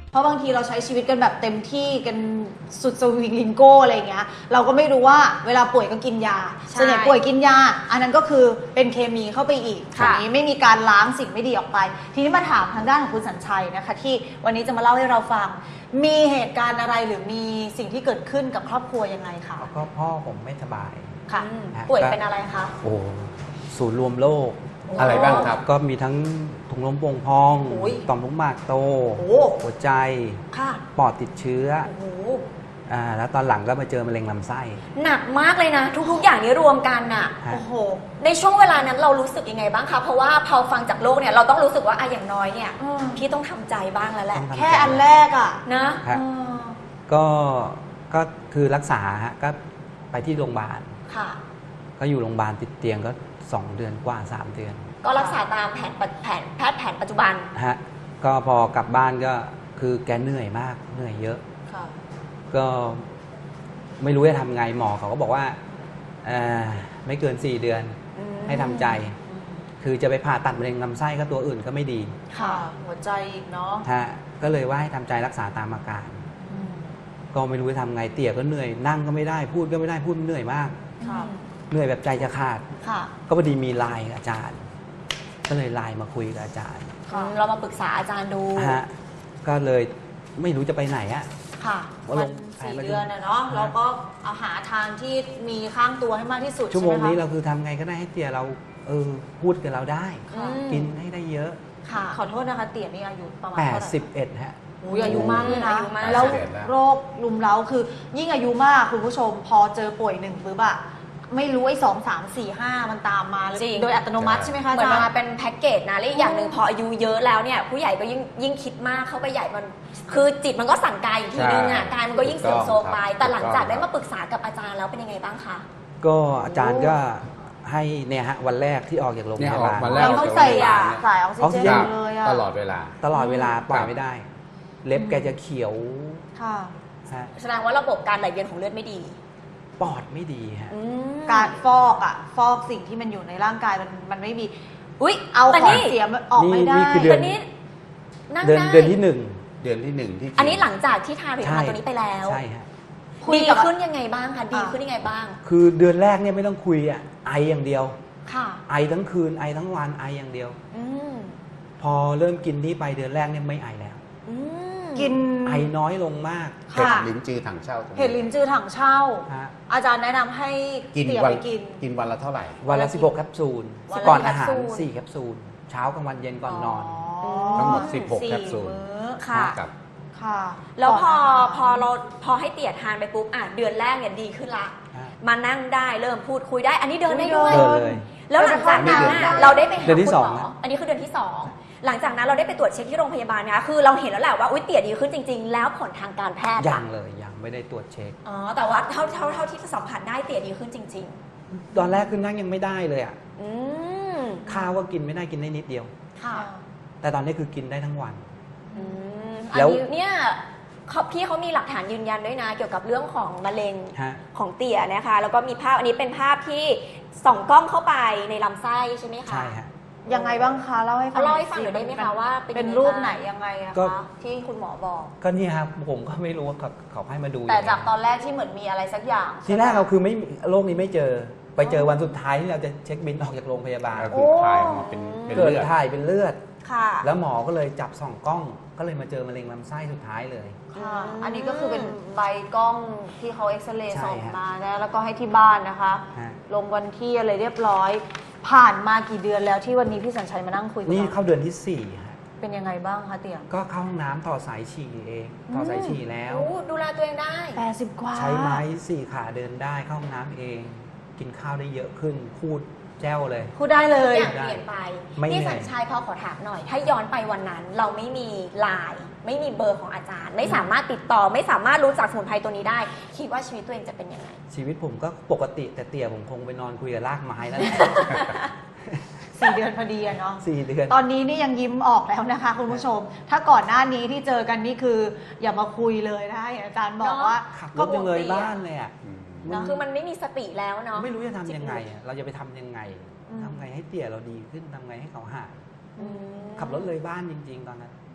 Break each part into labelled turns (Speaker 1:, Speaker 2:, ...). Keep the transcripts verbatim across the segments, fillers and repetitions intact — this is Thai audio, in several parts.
Speaker 1: เพราะบางทีเราใช้ชีวิตกันแบบเต็มที่กันสุดสวิงลิงโก้อะไรอย่างเงี้ยเราก็ไม่รู้ว่าเวลาป่วยก็กินยาส่วนใหญ่ป่วยกินยาอันนั้นก็คือเป็นเคมีเข้าไปอีกทีนี้ไม่มีการล้างสิ่งไม่ดีออกไปทีนี้มาถามทางด้านของคุณสัญชัยนะคะที่วันนี้จะมาเล่าให้เราฟังมีเหตุการณ์อะไรหรือมีสิ่งที่เกิดขึ้นกับครอบครัวยังไงคะ
Speaker 2: ก็พ่อผมไม่สบาย
Speaker 1: ค่ะป่วยเป็นอะไรคะ
Speaker 2: โอ้ศูนย์รวมโรค
Speaker 3: อะไรบ้างครับ
Speaker 2: ก็มีทั้งถุงลมโป่งพองต่อมลูกหมากโตหัวใจปอดติดเชื้ออ่าแล้วตอนหลังก็มาเจอมะเร็งลำไส้
Speaker 4: หนักมากเลยนะทุกๆอย่างนี้รวมกันน่ะโอ้โหในช่วงเวลานั้นเรารู้สึกยังไงบ้างคะเพราะว่าพอฟังจากโลกเนี่ยเราต้องรู้สึกว่าอะอย่างน้อยเนี่ยพี่ต้องทำใจบ้างแล้วแหละ
Speaker 1: แค่อันแรกอ่ะ
Speaker 4: นะ
Speaker 2: ก็ก็คือรักษาฮะก็ไปที่โรงพยาบาล
Speaker 4: ค่ะ
Speaker 2: ก็อยู่โรงพยาบาลติดเตียงก็สองเดือนกว่าสามเดือน
Speaker 4: ก็รักษาตามแผนแผนแพทย์แผนปัจจุบัน
Speaker 2: ฮะก็พอกลับบ้านก็คือแกเหนื่อยมากเหนื่อยเยอะก็ไม่รู้จะทำไงหมอเขาก็บอกว่าไม่เกินสี่เดือนให้ทำใจคือจะไปผ่าตัดมะเร็งลำไส้ก็ตัวอื่นก็ไม่ดี
Speaker 1: ค่ะหัวใจอีกเนาะ
Speaker 2: ฮะก็เลยว่าให้ทำใจรักษาตามอาการก็ไม่รู้จะทำไงเตี่ยก็เหนื่อยนั่งก็ไม่ได้พูดก็ไม่ได้พูดเหนื่อยมากเหนื่อยแบบใจจะขาดก็พอดีมีไลน์อาจารย์ก็เลยไลน์มาคุยกับอาจารย์
Speaker 4: เรามาปรึกษาอาจารย์ดู
Speaker 2: ฮะก็เลยไม่รู้จะไปไหนอะ
Speaker 1: ค่ะวันสี่เดือนเนาะเราก็เอาหาทางที่มีข้างตัวให้มากที่สุด
Speaker 2: ชั่วโมงนี้เราคือทำไงก็ได้ให้เตี่ยเราเออพูดกับเราได้กินให้ได้เยอะ
Speaker 1: ค่ะขอโทษนะคะเตี่ยนี่อายุประมาณ
Speaker 2: แปดสิบเอ็ดฮะ
Speaker 1: อุ้ยอายุมากเลยนะแล้วโรคลุมเล้าคือยิ่งอายุมากคุณผู้ชมพอเจอป่วยหนึ่งปุ๊บอะไม่รู้ไอ้สองสามสี่ห้ามันตามมาโดยอัตโนมัติใช่ไหมคะ
Speaker 4: เหมือนมาเป็นแพ็กเกจนะและอีกอย่างหนึ่งพออายุเยอะแล้วเนี่ยผู้ใหญ่ก็ยิ่งยิ่งคิดมากเข้าไปใหญ่มันคือจิตมันก็สั่งกายอีกทีนึงอ่ะกายมันก็ยิ่งเสื่อมโทรมไปแต่หลังจากได้มาปรึกษากับอาจารย์แล้วเป็นยังไงบ้างคะ
Speaker 2: ก็อาจารย์ก็ให้เนี่ยฮะวันแรกที่ออกจากโรงพยาบาล
Speaker 1: เราต้องใส่ยาใส่ออกซิเจนเลย
Speaker 3: ตลอดเวลา
Speaker 2: ตลอดเวลาปล่อยไม่ได้เล็บแกจะเขียว
Speaker 1: ค่ะ
Speaker 4: แสดงว่าระบบการไหลเวียนของเลือดไม่ดี
Speaker 2: ปอดไม่ดีฮะ
Speaker 1: การฟอกอ่ะฟอกสิ่งที่มันอยู่ในร่างกายมันมันไม่มีอุ้ยเอาของเสียออกไม่ได้
Speaker 2: นี่คือเดือน
Speaker 4: นี้
Speaker 2: เดือนเดือนที่หนึ่ง
Speaker 3: เดือนที่หนึ่งที่
Speaker 4: อันนี้หลังจากที่ทานผลิตภัณฑ์ตัวนี้ไปแล้ว
Speaker 2: ใช่ฮะ
Speaker 4: ดีขึ้นยังไงบ้างคะดีขึ้นยังไงบ้าง
Speaker 2: คือเดือนแรกเนี่ยไม่ต้องคุยอ่ะไออย่างเดียว
Speaker 4: ค่ะ
Speaker 2: ไอทั้งคืนไอทั้งวันไออย่างเดียวพอเริ่มกินนี้ไปเดือนแรกเนี่ยไม่ไอแล้ว
Speaker 1: กิน
Speaker 2: ไอน้อยลงมาก
Speaker 3: เห็ดลิ้นจือถังเช่า
Speaker 1: เห็ดลิ้นจือถังเช่าอาจารย์แนะนำให้
Speaker 3: กินวันกินกินวันละเท่าไหร่
Speaker 2: วันละสิบหกแคปซูลก่อนอาหารสี่แคปซูลเช้ากลางวันเย็นก่อนนอน
Speaker 3: ทั้งหมดสิบหกแคปซูล
Speaker 4: ค่ะ
Speaker 1: ค่ะ
Speaker 4: แล้วพอพอเราพอให้เตี่ยทานไปปุ๊บอ่ะเดือนแรกเนี่ยดีขึ้นละมานั่งได้เริ่มพูดคุยได้อันนี้เดินได้ด้วยแล้วหลังจากนั้นเราได้ไปหาคุณหมออันนี้คือเดือนที่สองหลังจากนั้นเราได้ไปตรวจเช็คที่โรงพยาบาลนะคะคือเราเห็นแล้วแหละว่าอุ้ยเตี่ยดีขึ้นจริงๆแล้วผลทางการแพทย์
Speaker 2: ยังเลยยังไม่ได้ตรวจเช็ค
Speaker 4: อ๋อแต่ว่าเท่าเท่าเท่าที่สัมผัสได้เตี่ยดีขึ้นจริง
Speaker 2: ๆตอนแรกคือนั่งยังไม่ได้เลยอ่ะข้าวก็กินไม่ได้กินได้นิดเดียว
Speaker 4: ค่ะ
Speaker 2: แต่ตอนนี้คือกินได้ทั้งวัน
Speaker 4: แล้วเนี่ยพี่เขามีหลักฐานยืนยันด้วยนะเกี่ยวกับเรื่องของมะเร็งของเตี่ยนะคะแล้วก็มีภาพอันนี้เป็นภาพที่ส่องกล้องเข้าไปในลำไส้ใช่ไหมคะ
Speaker 2: ใช่ฮะ
Speaker 1: ยังไงบ้างคะเล่าให้ฟัง
Speaker 4: เล่าให้ฟังหน่อยได้ไหมคะว่า
Speaker 1: เป็นรูปไหนยังไงอะคะที่คุณหมอบอก
Speaker 2: ก็นี่ครับผมก็ไม่รู้ว่าเขาให้มาดู
Speaker 1: แต่จากตอนแรกที่เหมือนมีอะไรสักอย่าง
Speaker 2: ทีแรกเราคือไม่โรคนี้ไม่เจอไปเจอวันสุดท้ายที่เราจะเช็คบินออกจากโรงพยาบาล
Speaker 3: คือถ่ายมาเป็น
Speaker 2: เกิดถ่ายเป็นเลือด
Speaker 1: ค่ะ
Speaker 2: แล้วหมอก็เลยจับส่องกล้องก็เลยมาเจอมะเร็งลำไส้สุดท้ายเลย
Speaker 1: ค่ะอันนี้ก็คือเป็นใบกล้องที่เขาเอ็กซเรย์ส่องมานะแล้วก็ให้ที่บ้านนะคะลงวันที่อะไรเรียบร้อยผ่านมากี่เดือนแล้วที่วันนี้พี่สัญชัยมานั่งคุยกัน
Speaker 2: นี่เข้าเดือนที่สี่ฮะ
Speaker 1: เป็นยังไงบ้างคะเตี่ย
Speaker 2: ก็เข้าห้องน้ำต่อสายฉี่เองต่อสายฉี่แล้ว
Speaker 4: ดูแลตัวเองได้
Speaker 1: แปดสิบกว่า
Speaker 2: ใช้ไม้สี่ขาเดินได้เข้าห้องน้ำเองกินข้าวได้เยอะขึ้นพูดแจ้วเลย
Speaker 1: พูดได้เลย
Speaker 4: อย่างเปลี่ยนไปพี่สัญชัยพอขอถามหน่อยถ้าย้อนไปวันนั้นเราไม่มีไลน์ไม่มีเบอร์ของอาจารย์ไม่สามารถติดต่อไม่สามารถรู้จักสมุนไพรตัวนี้ได้คิดว่าชีวิตตัวเองจะเป็นยังไง
Speaker 2: ชีวิตผมก็ปกติแต่เตี่ยผมคงไปนอนคุยกับรากไม้แล้ว
Speaker 1: สี่เดือนพอดีอะเนาะ
Speaker 2: สี่เดือน
Speaker 1: ตอนนี้นี่ยังยิ้มออกแล้วนะคะคุณผู้ชมถ้าก่อนหน้านี้ที่เจอกันนี่คืออย่ามาคุยเลยนะอาจารย์บอกว่า
Speaker 2: ขับรถยังเลยบ้านเลยอ่ะ
Speaker 4: คือมันไม่มีสติแล้วเนาะ
Speaker 2: ไม่รู้จะทำยังไงเราจะไปทำยังไงทำไงให้เตี่ยเราดีขึ้นทำไงให้เขาหายขับรถเลยบ้านจริงๆตอนนั้น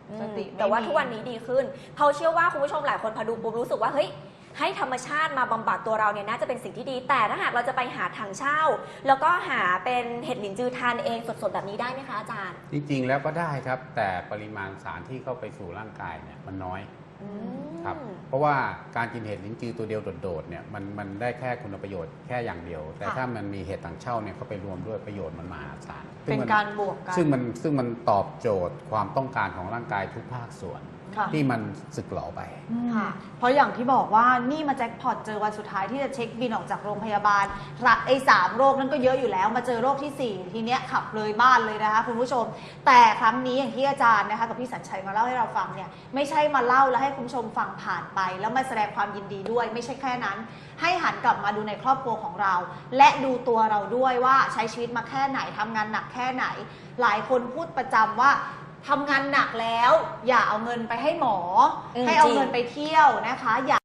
Speaker 4: อืม
Speaker 1: สติไม่มี
Speaker 4: แต่ว่าทุกวันนี้ดีขึ้นเขาเชื่อว่าคุณผู้ชมหลายคนพอดูปุ๊บรู้สึกว่าเฮ้ยให้ธรรมชาติมาบำบัดตัวเราเนี่ยน่าจะเป็นสิ่งที่ดี แต่ถ้าหากเราจะไปหาถังเช่า แล้วก็หาเป็นเห็ดหลินจือทานเองสดๆแบบนี้ได้ไหมคะอาจารย์
Speaker 3: จริงๆแล้วก็ได้ครับ แต่ปริมาณสารที่เข้าไปสู่ร่างกายเนี่ยมันน้อย
Speaker 4: อืม
Speaker 3: ครับเพราะว่าการกินเห็ดลิ้นจือตัวเดียวโดดๆเนี่ยมันมันได้แค่คุณประโยชน์แค่อย่างเดียว แต่
Speaker 1: ค่ะ
Speaker 3: ถ้ามันมีเห็ดต่างเช่าเนี่ยเข้าไปรวมด้วยประโยชน์มันมหาศาล
Speaker 1: เป็น
Speaker 3: ซึ่งมัน
Speaker 1: การบวกกัน
Speaker 3: ซึ่งมันซึ่งมันตอบโจทย์ความต้องการของร่างกายทุกภาคส่วน
Speaker 1: ค่ะ
Speaker 3: ที่มันสึกหรอไป
Speaker 1: ค่ะเพราะอย่างที่บอกว่านี่มาแจ็คพอตเจอวันสุดท้ายที่จะเช็คบินออกจากโรงพยาบาลรักไอ้สามโรคนั้นก็เยอะอยู่แล้วมาเจอโรคที่สี่ทีเนี้ยขับเลยบ้านเลยนะคะคุณผู้ชม แต่ครั้งนี้อย่างที่อาจารย์นะคะกับพี่สัญชัยมาเล่าให้เราฟังเนี่ยไม่ใช่มาเล่าแล้วให้คุณผู้ชมฟังผ่านไป แล้วมาแสดงความยินดีด้วย ไม่ใช่แค่นั้น ให้หันกลับมาดูในครอบครัวของเรา และดูตัวเราด้วยว่าใช้ชีวิตมาแค่ไหนทำงานหนักแค่ไหน หลายคนพูดประจำว่าทำงานหนักแล้ว อย่าเอาเงินไปให้หมอ
Speaker 4: อืม
Speaker 1: ให้เอา
Speaker 4: จริง
Speaker 1: เงินไปเที่ยวนะคะอย่า